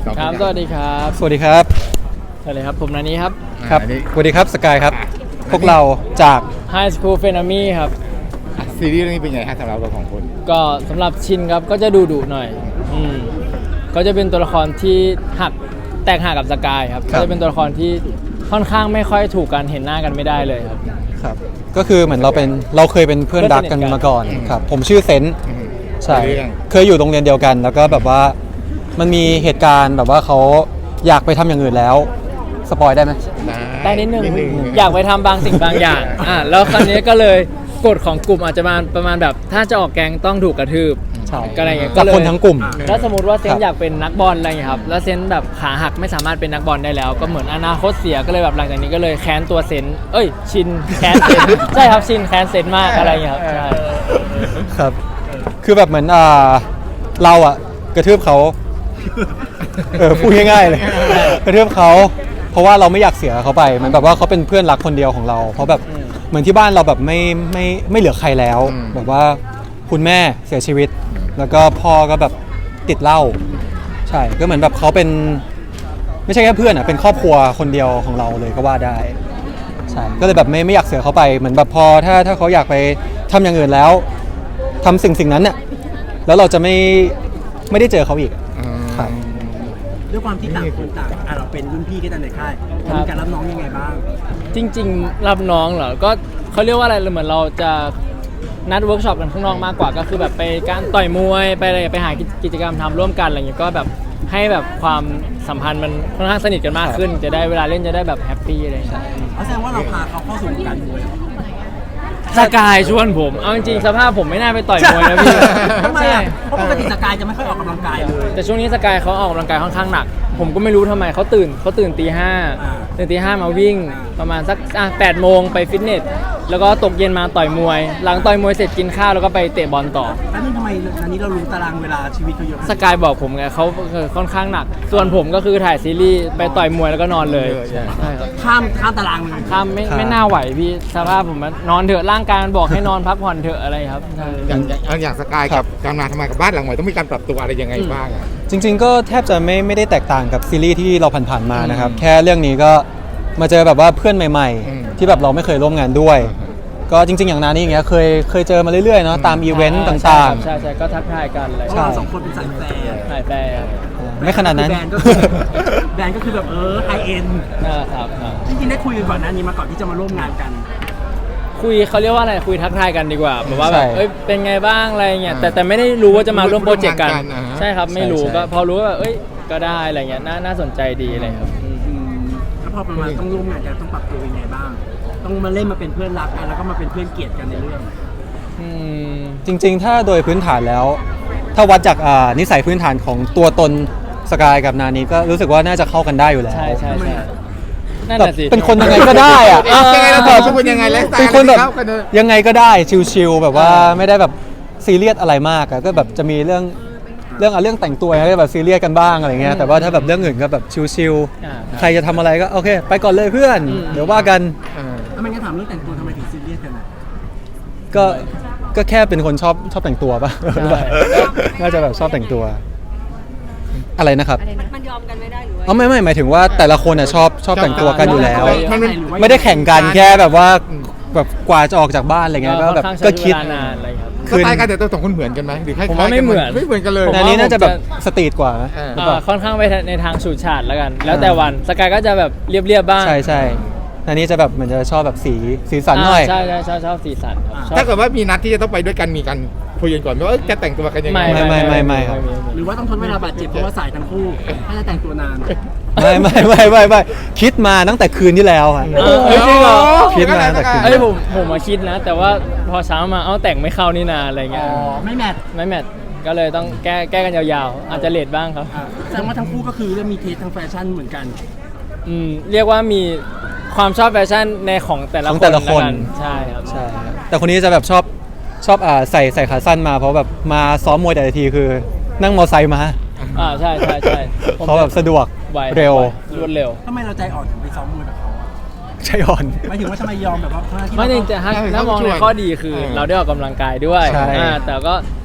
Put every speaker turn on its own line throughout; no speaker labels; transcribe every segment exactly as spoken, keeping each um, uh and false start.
ครับสวัสดีครับ
สวัสดีครับ
สวัสดีครับผมนันนี้ครับ
ครับสวัสดีครับสกายครับพวกเราจาก
High School f r e n e m y ครับ
ซีรีส์เรื่องนี้เป็นไงฮะสำหรับเราของคน
ก็สำหรับชินครับก็จะดุดุหน่อยอืมก็จะเป็นตัวละครที่หักแตกหักกับสกายครับก็จะเป็นตัวละครที่ค่อนข้างไม่ค่อยถูกกันเห็นหน้ากันไม่ได้เลยครับ
ครับก็คือเหมือนเราเป็นเราเคยเป็นเพื่อนรักกันมาก่อนครับผมชื่อเซนต์ใช่เคยอยู่โรงเรียนเดียวกันแล้วก็แบบว่ามันมีเหตุการณ์แบบว่าเขาอยากไปทำอย่างอื่นแล้วสปอยได้ไหม
ได้นิดนึงอยากไปทำบางสิ่งบางอย่างอ่าแล้วคราวนี้ก็เลยกฎของกลุ่มอาจจะมาประมาณแบบถ้าจะออกแกงต้องถูกกระทืบ
ใช่
ก็อะไรเงี้ย
กับคนทั้งกลุ่ม
แล้วสมมติว่าเซน
ครับ
อยากเป็นนักบอลอะไรเงี้ยครับแล้วเซนแบบขาหักไม่สามารถเป็นนักบอลได้แล้ว ก็เหมือนอนาคตเสียก็เลยแบบหลังจากนี้ก็เลยแค้นตัวเซนเอ้ยชินแค้นเซน ใช่ครับชินแค้นเซนมากอะไรเงี้ยครับใช่
ครับคือแบบเหมือนอ่าเราอะกระทืบเขาเออพูดง่ายๆเลยกระทืบเขาเพราะว่าเราไม่อยากเสียเขาไปเหมือนแบบว่าเขาเป็นเพื่อนรักคนเดียวของเรา เพราะแบบเหมือนที่บ้านเราแบบไม่ไม่ไม่เหลือใครแล้วแบบว่าคุณแม่เสียชีวิต แล้วก็พ่อก็แบบติดเหล้าใช่ก็เหมือนแบบเขาเป็นไม่ใช่แค่เพื่อนอะเป็นครอบครัวคนเดียวของเราเลยก็ว่าได้ใช่ก็เลยแบบไม่ไม่อยากเสียเขาไปเหมือนแบบพอถ้าถ้าเขาอยากไปทำอย่างอื่นแล้วทำสิ่งสิ่งนั้นเนี่ยแล้วเราจะไม่ไม่ได้เจอเขาอีกครับ
ด้วยความที่ต่างคนต่างอ่ะเราเป็นรุ่นพี่กันในค่ายมีการรับน้องยังไงบ้าง
จริงๆรับน้องเหรอก็เขาเรียกว่าอะไรเหมือนเราจะนัดเวิร์กช็อปกันข้างนอกมากกว่าก็คือแบบไปการต่อยมวยไปอะไรไปหากิจกรรมทำร่วมกันอะไรอย่างเงี้ยก็แบบให้แบบความสัมพันธ์มันค่อนข้างสนิทกันมากขึ้น จะได้เวลาเล่นจะได้แบบแฮปปี้อะไรอย่างเงี้ย
เอาแสดงว่าเราพาเขาเข้าสู่วงการมวยเหรอ
สกายชวนผมเอาจริงๆสภาพผมไม่น่าไปต่อยมวยนะพี่
ทำไม
ใช่
อ่ะเพราะปกติสกายจะไม่ค่อยออกกำลังกายเลย
แต่ช่วงนี้สกายเขาออกกำลังกายค่อนข้างหนัก ผมก็ไม่รู้ทำไมเขาตื่นเขาตื่นตีห้า
อ่า
ตื่นตีห้ามาวิ่งประมาณสักอ่ะแปดโมงไปฟิตเนสแล้วก็ตกเย็นมาต่อยมวย หลังต่อยมวยเสร็จกินข้าวแล้วก็ไปเตะบอลต่อ
แล้วนี่ทำไมอันนี้เรารู้ตารางเวลาชีวิตเขาเยอะ
สกายบอกผมไงเขาค่อนข้างหนัก ส่วนผมก็คือถ่ายซีรีส์ไปต่อยมวยแล้วก็นอนเลยใช่ครับ
ข้ามข้ามตารางเลย
ข้ามไม่
ครับ
ไม่น่าไหวพี่สภาพผมมันนอนเถอะร่างกายมันบอกให้นอนพักผ่อนเถอะอะไรครับใช่
อย่างอย่างอย่างสกายกับการมาทำงานกับบ้านหลังใหม่ต้องมีการปรับตัวอะไรยังไงบ้างอะ
จริงๆก็แทบจะไม่ไม่ได้แตกต่างกับซีรีส์ที่เราผ่านๆมานะครับแค่เรื่องนี้ก็มาเจอแบบว่าเพื่อนใหม่ ๆ ที่แบบเราไม่เคยร่วมงานด้วย ก็จริงๆอย่างนานี่อย่างเงี้ยเคยเคยเจอมาเรื่อยๆเนาะตามอีเวนต์ต่าง
ใช่ใช่ก็ทักทายกันอะไร
เพราะเราสองคนเป็นสายแฟร์
ถ่ายแฟร์
ๆ ไม่ขนาดนั้น
แบรนด์ก็คือแบรนด์ก็คือแบบเออไฮเอ็น
นะครับครับ
จริงๆได้คุยกันก่อนหน้านี้มาก่อนที่จะมาร่วมงานกัน
คุยเขาเรียกว่าอะไรคุยทักทายกันดีกว่าแบบว่าแบบ
ใช่
เอ้ยเป็นไงบ้างอะไรเงี้ยแต่แต่ไม่ได้รู้ว่าจะมาร่วมโปรเจกต์กัน
ร่วมงานกันอ่าฮะ
ใช่ครับไม่รู้
ใช่ใช่
ก็พอรู้ว่าแบบเอ้ยก็ได้อะไรเงี้ยน่าน่าสนใจดีอะไรครับอืม
อืมแล้วพอประมาณต้องร่วมงานกันต้องปรับตัวยังไงบ้าง ต้องมาเล่นมาเป็นเพื่อนรักกันแล้วก็มาเป็นเพื่อนเกลียดกันในเรื่อง
อืม
จริงๆ ถ้าโดยพื้นฐานแล้ว ถ้าวัดจากอ่านิสัยพื้นฐานของตัวตนสกายกับนานี้ก็รู้สึกว่าน่าจะเข้ากันได้อยู่แล้ว
ใช่ใช่ใช่นั่น
แบบ
แหะสิ
เป็นคนยังไงก็ได้อะ
เอ๊ะยังไงเราบอกว่าเป็นยังไงไลฟ์สไตล์
เป็นคนแบบ
เข้ากันเลย
ยังไงก็ได้ชิลๆแบบว่าไม่ได้แบบซีเรียสอะไรมากอะก็แบบจะมีเรื่องเรื่องอะเรื่องแต่งตัวก็แบบซีเรียสกันบ้างอะไรเงี้ยแต่ว่าถ้าแบบเรื่องอื่นก็แบบชิล
อ่า
ๆใครจะทำอะไรก็โอเค ไปก่อนเลยเพื่อน
อืม
เดี๋ยวว่ากัน
เออ
แล้วมันก็ถามเรื่องแต่งตัวทำไมถึงซีเรียสกันอ่ะ
ก็ก็แค่เป็นคนชอบชอบแต่งตัวป่ะ
ใช่
น่าจะแบบชอบแต่งตัว อะไรนะครับ
มันยอมกันไม่ได้หรือว่า
อ๋อไม่ไม่หมายถึงว่าแต่ละคนอ่ะชอบชอบแต่งตัวกันอยู่แล้ว
มันเป็น
ไม่ได้แข่งกันแค่แบบว่าแบบกว่าจะออกจากบ้านอะไรเงี้ยก็แบบ
ค่อนข้าง
ก็
ใช้
คิด
เวลานานอะไรครับ
สไตล์การแต่งตัวสองคนเหมือนกันไหมหรือคล้ายๆ
ผมว่าไม่เหมือน
ไม่เหมือนกันเลย
ผม
แต่
ว่า
อันนี้น่าจะแบบ
ผมจะ
สตรีทกว่านะ
เออ
หรือเป
อ่า
ล่า
ค่อนข้างไปในทางฉูดฉาดแล้วกัน แล้วแต่วันสกายก็จะแบบเรียบๆบ้าง
ใช่ใช่อันนี้จะแบบเหมือนจะชอบแบบสีสีสันหน่อย
าใช่ใช่ชอบชอบสีสันครับชอบ
ถ้าเกิดว่ามีนัดที่จะต้องไปด้วยกันมีการคุยกันก่อนไหมว่าเอ้ยจะแต่งตัวกันยังไง
ไม่ไม่ไม่ไม่ครับ
หรือว่าต้องทนเวลาบาดเจ็บเพราะว่าสายทั้งคู่ถ้าจะแต่งตัวนาน
ไม่ไม่ไม่ไม่ไม่คิดมาตั้งแต่คืนที่แล้วอะ
เออเฮ้ยจริงเหรอ
คิดมาตั้งแต่คืน
เอ้ยผมผมมาคิดนะ แต่ว่าพอเช้ามาเอ้าแต่งไม่เข้านี่นาอะไร
อ๋
เงี้ย
อไม่แมท
ไม่แมทก็เลยต้องแก้แก้กันยาวๆ อาจจะเลทบ้างครับ
อ่ะแสดงว่าทั้งคู่ก็คือเริ่มมีเทสทางแฟชั่นเหมือนกัน
อืมเรียกว่ามีความชอบแฟชั่นในของแต่ละ
ของ
คน
แต่ละคน
วกันใช่ครับ
ใช่ครับแต่คนนี้จะแบบชอบชอบอ่าใส่ใส่ขาสั้นมาเพราะแบบมาซ้อมมวยแต่ละทีคือ นั่งมอไซค์มา
อ่าใช่ใช่ใช่ผม
เขาแบบสะดวก
ไว
เร็ว
รวดเร็ว
ทำไมเราใจอ่อนถึงไปซ้อมมวยกับเขาอ่ะ
ใช่อ่อน
หมายถึงว่าทำไมยอมแบบว่าทั้งที่
ไม่จริง
เรา
แต่ถ้า
เออ
ถ้ามองใน
เขาช่วย
ข้อดีคือ
เออ
เราได้ออกกำลังกายด้วย
ใช่
อ่าแต่ก็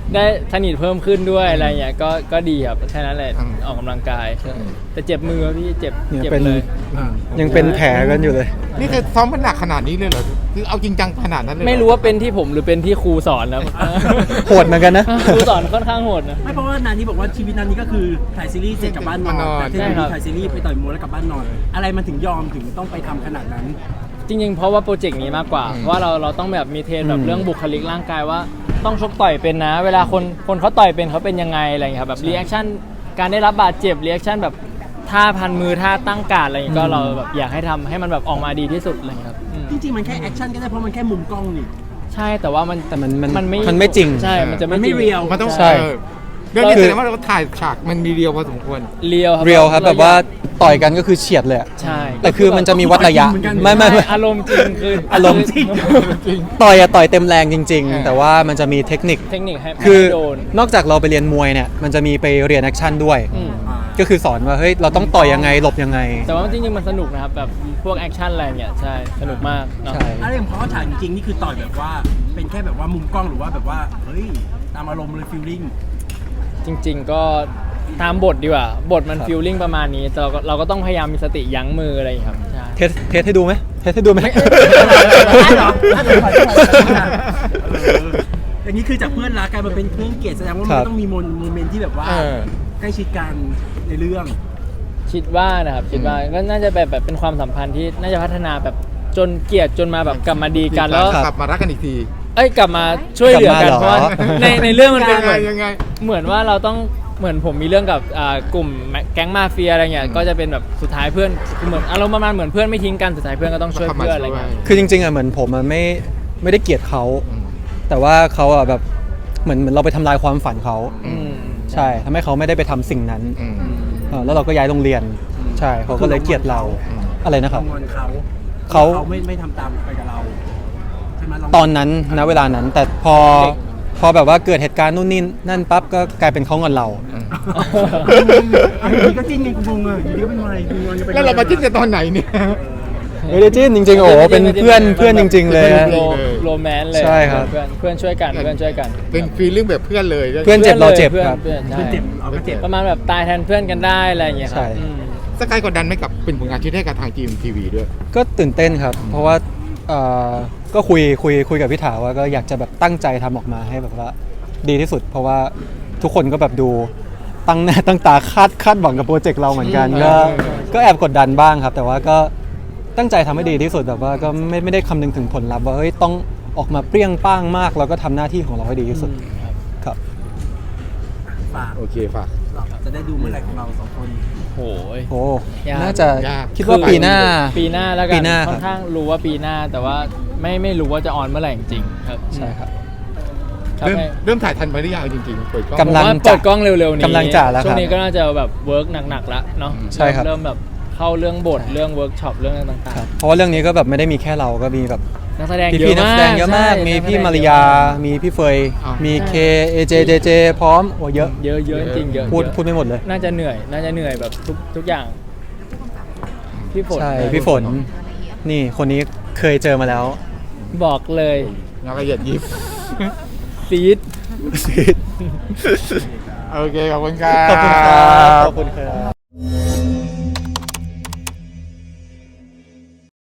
ได้สนิทเพิ่มขึ้นด้วยอะไรเงี้ยก็ก็ดีครับแค่นั้นแหละ
อืม
ออกกำลังกายแต่เจ็บมือครับพี่เจ็บ
เนี่ย
เจ็บ
เป็น
เลย
อ่า
ยังเป็นแผลกันอยู่เลย
นี่คือซ้อมมันหนักขนาดนี้เลยเหรอคือเอาจริงจังขนาดนั้นเลยเหอ
ไม่รู้ว่าเป็นที่ผมหรือเป็นที่ครูสอนนะ
โหดเหมือนกันนะ
ครูสอนค่อนข้างโหดนะ
ไม่เพราะว่านานี้บอกว่าชีวิตนานี้ก็คือถ่ายซีรีส์เสร็จกลับบ้านนอนแต่ที่
ใช่
นา
ครั
นี้
บ
ถ่ายซีรีส์ไปต่อยมวยแล้วกลับบ้านนอน อะไรมันถึงยอมถึงต้องไปทำขนาดนั้น
จริงๆ เพราะว่าโปรเจกต์นี้มากกว่า เพราะว่าเราเราต้องแบบมีเทรนแบ
อื
บ
ม
เรื่องบุคลิกร่างกายว่าต้องชกต่อยเป็นนะ เวลาคนคนเขาต่อยเป็นเขาเป็นยังไงอะไรอย่างเงี้ยครับแบบรีแอคชั่นการได้รับบาดเจ็บรีแอคชั่นแบบท่าพันมือท่าตั้งการดอะไรอย่างเงี้ยก็เราแบบอยากให้ทำให้มันแบบออกมาดีที่สุดอะไรอย่างเงี้ยครับอืม
จริงๆมันแค่แอคชั่นก็ได้เพราะมันแค่มุมกล้องนี่
ใช่แต่ว่ามัน
แต่มันมัน
มันไม่
มันไม่จริง
ใช่มันจะ
มันไม่
จง
เรียล
มันต้อง
ใช่
เออเรื่องนี้
คือ
แสดงว่าเราถ่ายฉากมันมีเรียวพอสมควร
เรียวครับ
เรียวครับ
เ
แบบว่าต่อยกันก็คือเฉียดเลยอะ
ใช่
แต่คือมันจะมีวัดระยะ
เหมือนกัน
ไม่ไม่ไม่
อารมณ์จริงคือ
อารมณ์
จริง
ต่อยอะต่อยเต็มแรงจริง
เออ
ๆ แต่ว่ามันจะมีเทคนิค
เทคนิคให้
คือ
ให้โดน
นอกจากเราไปเรียนมวยเนี่ยมันจะมีไปเรียนแอคชั่นด้วย
อืม
อ่า
ก็คือสอนว่าเฮ้ยเราต้องต่อยยังไงหลบยังไง
แต่ว่าจริงๆมันสนุกนะครับแบบพวกแอคชั่นอะไรเนี่ยใช่สนุกมากเนาะ
ใช่
อะไรอย่างเพราะว่าฉากจริงๆนี่คือต่อยแบบว่าเป็นแค่แบบว่ามุมกล้องหรือว่าแบบว่าเฮ้ยตามอารมณ์เลยฟีลลิ่ง
จริง ๆ ก็ตามบทดีกว่า บทมัน
ครับ
ฟีลลิ่งประมาณนี้ แต่เราก็เราก็ต้องพยายามมีสติยั้งมืออะไรอย่างเงี้ยครับใช่
เทสเทสให้ดูไหมเทสให้ดูไหม
ได้เหรอได้เหรอเอออย่างนี้คือจากเพื่อนรักกลายมาเป็นเพื่อนเกลียดแสดงว่า
ค
มั
รั
น
บ
ต้องมีโมเมนโมเมนต์ที่แบบว่า
เออ
ใกล้ชิดกันในเรื่อง
คิดว่านะครับคิดว่าก็น่าจะแบบแบบเป็นความสัมพันธ์ที่น่าจะพัฒนาแบบจนเกลียดจนมาแบบกลับมาดีกันแล้ว
กลับมารักกันอีกที
เอ้ยกลับมาช่วยเหลือกัน
กลับมาเหรอ
เพราะว่าในในเรื่องมันเป็น
ยัง
เห
ไง
มือน
ยังไง
เหมือนว่าเราต้องเหมือนผมมีเรื่องกับอ่ากลุ่มแก๊งมาเฟียอะไรเงี้ยก็จะเป็นแบบสุดท้ายเพื่อนเหมือนอารมณ์ประมาณเหมือนเพื่อนไม่ทิ้งกันสุดท้ายเพื่อนก็ต้องช่วยเพื่อนอะไรเงี้ย
คือจริงๆอ่ะเหมือนผมอ่ะไม่ไม่ได้เกลียดเขา
อืม
แต่ว่าเขาอ่ะแบบเหมือนเหมือนเราไปทำลายความฝันเขา
อืม
ใช่ทำให้เขาไม่ได้ไปทำสิ่งนั้น
อืม
เออแล้วเราก็ย้ายโรงเรียน ใช่เขาก็เลยเกลียดเรา
อืม
อะไรนะครับ
งอนเขา
เขา
เขาไม่ไม่ทำตามไปกับเราใช่ไหมเรา
ตอนนั้นณเวลานั้น แต่พอพอแบบว่าเกิดเหตุการณ์นู่นนี่นั่นปั๊บก็กลายเป็นเขางอนเรา
อยู่ดีก็จิ้นกันกูงงอ่ะอยู่ดีก็เป็นอะไรกูงอนกันไป
แล้วเรามาจิ้นกันตอนไหนเนี่ย
ไม่ได้จิ้นจริงๆโอ้โหเป็นเพื่อนเพื่อนจริง ๆ เลยฮะ
โรโรแมนต์เลย
ใช่ครับ
เพื่อนเพื่อนช่วยกันเพื่อนช่วยกัน
เป็นฟีลลิ่งแบบเพื่อนเลย
เพื่อนเจ็บเราเจ็บ
พื่อน
ครับ
เพื่อน
เพื่อน
ใช่
เจ็บเราก็เจ็บ
ประมาณแบบตายแทนเพื่อนกันได้อะไรอย่างเงี้ยครับ
ใช่
อืม
สกายกดดันไหม่กับเป็นผลงานชิ้นแรกกับทางจีมทีวีด้วย
ก็ตื่นเต้นครับ เพราะว่าเอ่อก็คุยคุยคุยกับพี่ถาว่าก็อยากจะแบบตั้งใจทำออกมาให้แบบว่าดีที่สุด เพราะว่าทุกคนก็แบบดูตั้งหน้าตั้งตาคาดคาดหวังกับโปรเจกต์เราเหมือนกัน
อืม
ก็ก็แอบกดดันบ้างครับ แต่ว่าก็ตั้งใจทำให้ดีที่สุดแบบว่าก็ไม่ไม่ได้คำนึงถึงผลลัพธ์ว่าเฮ้ยต้องออกมาเปรี้ยงป้างมากเราก็ทำหน้าที่ของเราให้ดีที่สุดครับ
ฝาก
โอเคฝาก
เราจะได้ดูเมื่อไหร่ของเราสองคน
โอ้ย
โอ้
ยาก
น่าจะ
ยาก
คิดว่าปีหน้า
ปีหน้าแล้วกั
ปี
น
หน้า
ค่อนข้างรู้ว่าปีหน้า แต่ว่าไม่ไม่รู้ว่าจะออนเมื่อไหร่จริงๆครับ
ใช่ครับ
ครับ
เริ่ม
ให้
เริ่มถ่ายทันไปหรือยังจริงๆเปิดกล้อง
กำลัง
ผมว่าเปิดกล้องเร็วๆนี้
กำลังจะแล้วครับ
ช่วงนี้ก็น่าจะแบบเวิร์กหนักๆแล้วเนาะ
ใช่ครับ
เริ่มแบบเข้าเรื่องบทเรื่องเวิร์กช็อปเรื่องต่าง
ครับเพราะว่าเรื่องนี้ก็แบบไม่ได้มีแค่เราก็มีแบบ
ๆนักแสดง
พี่
เย
พี่
อะ
นัก
มา
แส
ก
ดงเยอะมาก
ใช่
มี
นักแสดง
พี่มาริยา มีพี่เฟย
อ่ามี
มีเคเอเจเจเจพร้อมโอ้เยอะ
เยอะเยอะจริงๆเยอะ
พูด
เยอะ
พูดไม่หมดเลย
น่าจะเหนื่อย น่าจะเหนื่อยแบบทุกทุกอย่าง พี่ฝน
ใช่ พี่ฝน นี่คนนี้เคยเจอมาแล้ว
บอกเลย
งานละเอียดยิบ
ซีด
โอเคขอบคุณครับ
ขอบคุณครับ ขอบคุณครับ